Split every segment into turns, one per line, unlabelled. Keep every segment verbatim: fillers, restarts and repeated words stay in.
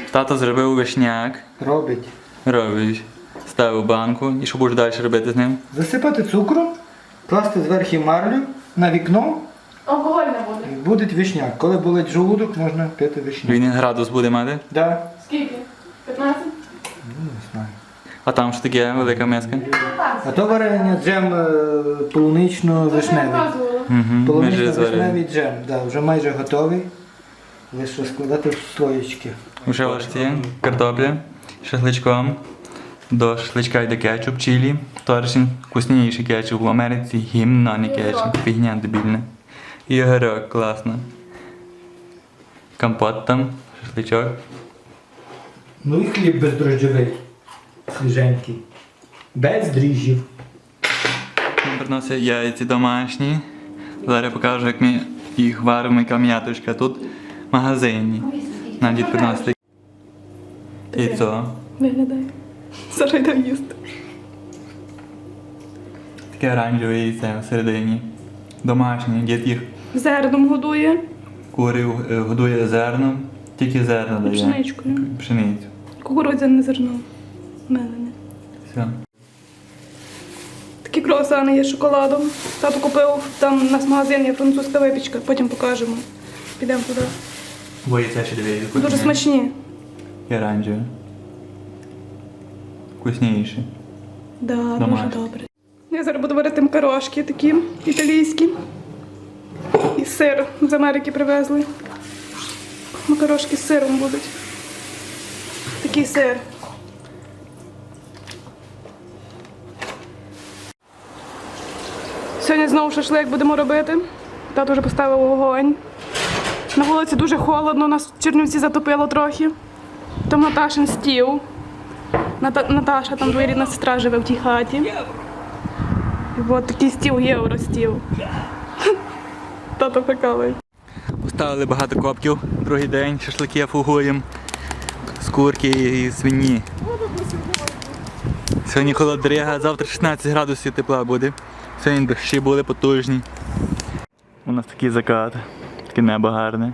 Тато зробив вишняк.
Робить.
Робить. Ставив банку. І що будеш далі робити з ним?
Засипати цукром, класти зверху марлю на вікно.
Алкоголь не буде.
І буде вишняк. Коли болить желудок, можна пити вишняк.
Він градус буде мати.
Да.
Скільки? п'ятнадцять?
Ну, не знаю.
А там що таке велика миска?
А то варення джем е, полунично-вишневий.
Показувала.
Угу. Ми вже зварили.
Полунично-вишневий джем. Да, вже майже готовий. Лише складати в слоєчки.
Уже ложці, картопля, шашличком. До шашличка йде кетчуп, чилі. Торшин вкусніший кетчуп в Америці, гімн, а не кетчуп. Фігня дебільна. І огірок, класно. Компот там, шашличок.
Ну і хліб бездрожджовий. Свіженький. Без дріжджів.
Він приносить яйці домашні. Зараз покажу, як ми їх варимо, яка м'яточка. Тут магазинні. Нам дід приносить яйцо.
Виглядає. Зараз йде їсти.
Таке оранжеве яйце всередині. Домашнє. Дід їх
Зерном годує.
курив, е, годує зерном. Тільки зерно дає.
Пшеничкою.
Пшеницю.
Кукурудзяне зерно. Мелене.
Все.
Такі круасани є з шоколадом. Тато купив, там у нас магазин є французька випічка, потім покажемо. Підемо туди.
Бо яйця ще дивіться.
Дуже смачні.
І оранжеве. Вкусніше.
Да, дуже
Домашні.
добре. Я зараз буду варити макарошки такі італійські. І сир з Америки привезли. Макарошки з сиром будуть. Такий сир. Сьогодні знову шашлик будемо робити. Тато вже поставив вогонь. На вулиці дуже холодно, нас в Чернівці затопило трохи. Там Наташин стіл. Ната- Наташа, там двоюрідна сестра живе в тій хаті. І от такий стіл, євростіл. Тато прикалує.
Поставили багато копків. Другий день шашлики фугуємо. З курки і свині. Сьогодні холодрига, завтра шістнадцять градусів тепла буде. Сьогодні дощі були потужні. У нас такий закат, таке небо гарне.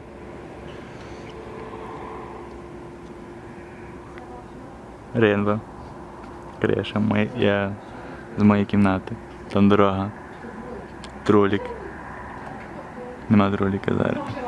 Рейнбо. Криша, моя, я з моєї кімнати. Там дорога. Тролік. Нема троліка зараз.